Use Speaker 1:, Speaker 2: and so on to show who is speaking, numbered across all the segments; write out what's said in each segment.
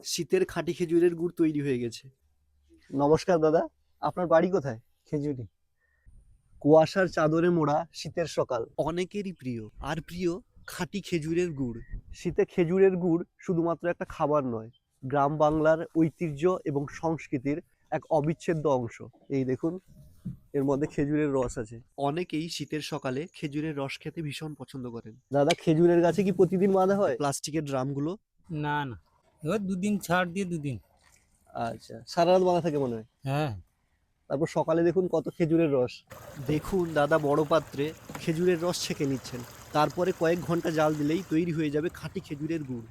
Speaker 1: শীতের খাঁটি খেজুরের গুড় তৈরি হয়ে গেছে। নমস্কার দাদা, আপনার বাড়ি কোথায়?
Speaker 2: খেজুরি।
Speaker 1: কুয়াশার চাদরে মোড়া শীতের সকাল অনেকেরই প্রিয়, আর প্রিয় খাঁটি খেজুরের গুড়। শীতে খেজুরের গুড় শুধুমাত্র একটা খাবার নয়, গ্রাম বাংলার ঐতিহ্য এবং সংস্কৃতির এক অবিচ্ছেদ্য অংশ। এই দেখুন, এর মধ্যে খেজুরের রস আছে। অনেকেই শীতের সকালে খেজুরের রস খেতে ভীষণ পছন্দ করেন। দাদা, খেজুরের গাছে কি প্রতিদিন বাঁধা হয় প্লাস্টিকের ড্রামগুলো?
Speaker 2: না না, এবার দুদিন ছাড় দিয়ে দুদিন।
Speaker 1: আচ্ছা, সারা রাত বাঁধা থাকে মনে হয়।
Speaker 2: হ্যাঁ।
Speaker 1: তারপর সকালে দেখুন কত খেজুরের রস। দেখুন দাদা বড় পাত্রে খেজুরের রস ছেঁকে নিচ্ছেন। তারপরে কয়েক ঘন্টা জাল দিলেই তৈরি হয়ে যাবে খাঁটি খেজুরের গুড়।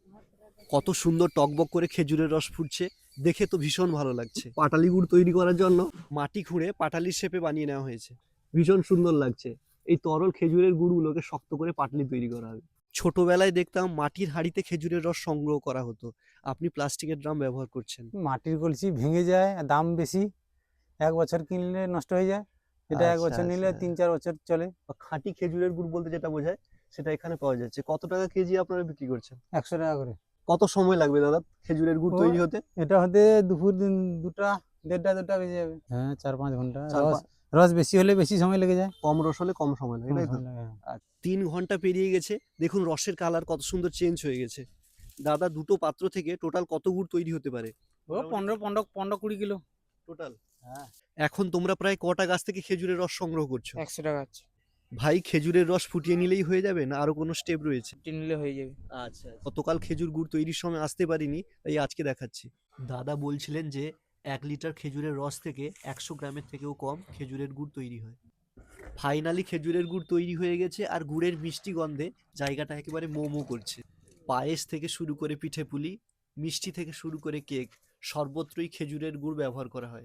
Speaker 1: কত সুন্দর টকবক করে খেজুরের রস ফুটছে, দেখে তো ভীষণ ভালো লাগছে। পাটালি গুড় তৈরি করার জন্য মাটি খুঁড়ে পাটালির শেপে বানিয়ে নেওয়া হয়েছে। ভীষণ সুন্দর লাগছে। এই তরল খেজুরের গুড়গুলোকে শক্ত করে পাটালি তৈরি করা হবে। ছোটবেলায় দেখতাম মাটির হাঁড়িতে খেজুরের রস সংগ্রহ করা হতো। আপনি প্লাস্টিকের ড্রাম ব্যবহার করছেন।
Speaker 2: মাটির কলসি ভেঙে যায়, আর দাম বেশি। 1 বছর কিনলে নষ্ট হয়ে যায়, এটা 1 বছর নিলে 3-4 বছর চলে।
Speaker 1: খাঁটি খেজুরের গুড় বলতে যেটা বোঝায় সেটা এখানে পাওয়া যাচ্ছে। কত টাকা কেজি আপনারা বিক্রি করছেন?
Speaker 2: 100 টাকা করে।
Speaker 1: কত সময় লাগবে দাদা খেজুরের গুড়
Speaker 2: ও,
Speaker 1: তৈরি হতে?
Speaker 2: এটা হতে দুপুর দিন 2টা 1:30-2টা বেজে যাবে। হ্যাঁ, 4-5 ঘন্টা।
Speaker 1: চার
Speaker 2: রস
Speaker 1: পাঁচ
Speaker 2: রস বেশি হলে বেশি সময় লেগে যায়।
Speaker 1: কম রস হলে কম সময় লাগে,
Speaker 2: কম
Speaker 1: তাই তো?
Speaker 2: সময় লাগে, হ্যাঁ।
Speaker 1: আর 3 ঘন্টা পেরিয়ে গেছে, দেখুন রসের কালার কত সুন্দর চেঞ্জ হয়ে গেছে। দাদা, দুটো পাত্র থেকে টোটাল কত গুড় তৈরি হতে পারে?
Speaker 2: ও 15-20 কিলো।
Speaker 1: টোটাল
Speaker 2: হ্যাঁ।
Speaker 1: এখন তোমরা প্রায় কটা গাছ থেকে খেজুরের রস সংগ্রহ করছো?
Speaker 2: 100 টাকা আছে।
Speaker 1: ভাই, খেজুরের রস ফুটিয়ে নিলেই হয়ে যাবে না আরো কোনো স্টেপ রয়েছে?
Speaker 2: নিলে হয়ে যাবে।
Speaker 1: আচ্ছা, গতকাল খেজুর গুড় তৈরির সময় আসতে পারিনি, তাই আজকে দেখাচ্ছি। দাদা বলছিলেন যে 1 লিটার খেজুরের রস থেকে 100 গ্রামের থেকেও কম খেজুরের গুড় তৈরি হয়। ফাইনালি খেজুরের গুড় তৈরি হয়ে গেছে, আর গুড়ের মিষ্টি গন্ধে জায়গাটা একেবারে মো মো করছে। পায়েস থেকে শুরু করে পিঠে পুলি, মিষ্টি থেকে শুরু করে কেক, সর্বত্রই খেজুরের গুড় ব্যবহার করা হয়।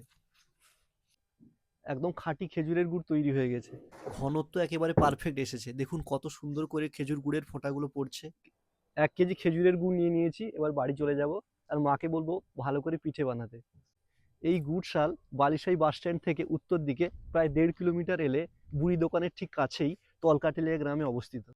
Speaker 1: একদম খাঁটি খেজুরের গুড় তৈরি হয়ে গেছে। ঘনত্ব একেবারে পারফেক্ট এসেছে। দেখুন কত সুন্দর করে খেজুর গুড়ের ফোঁটাগুলো পড়ছে। 1 কেজি খেজুরের গুড় নিয়ে নিয়েছি, এবার বাড়ি চলে যাব আর মাকে বলবো ভালো করে পিঠে বানাতে। এই গুড়শাল বালিশাই বাস স্ট্যান্ড থেকে উত্তর দিকে প্রায় 1.5 কিলোমিটার এলে বুড়ি দোকানের ঠিক কাছেই তলকাটিলিয়া গ্রামে অবস্থিত।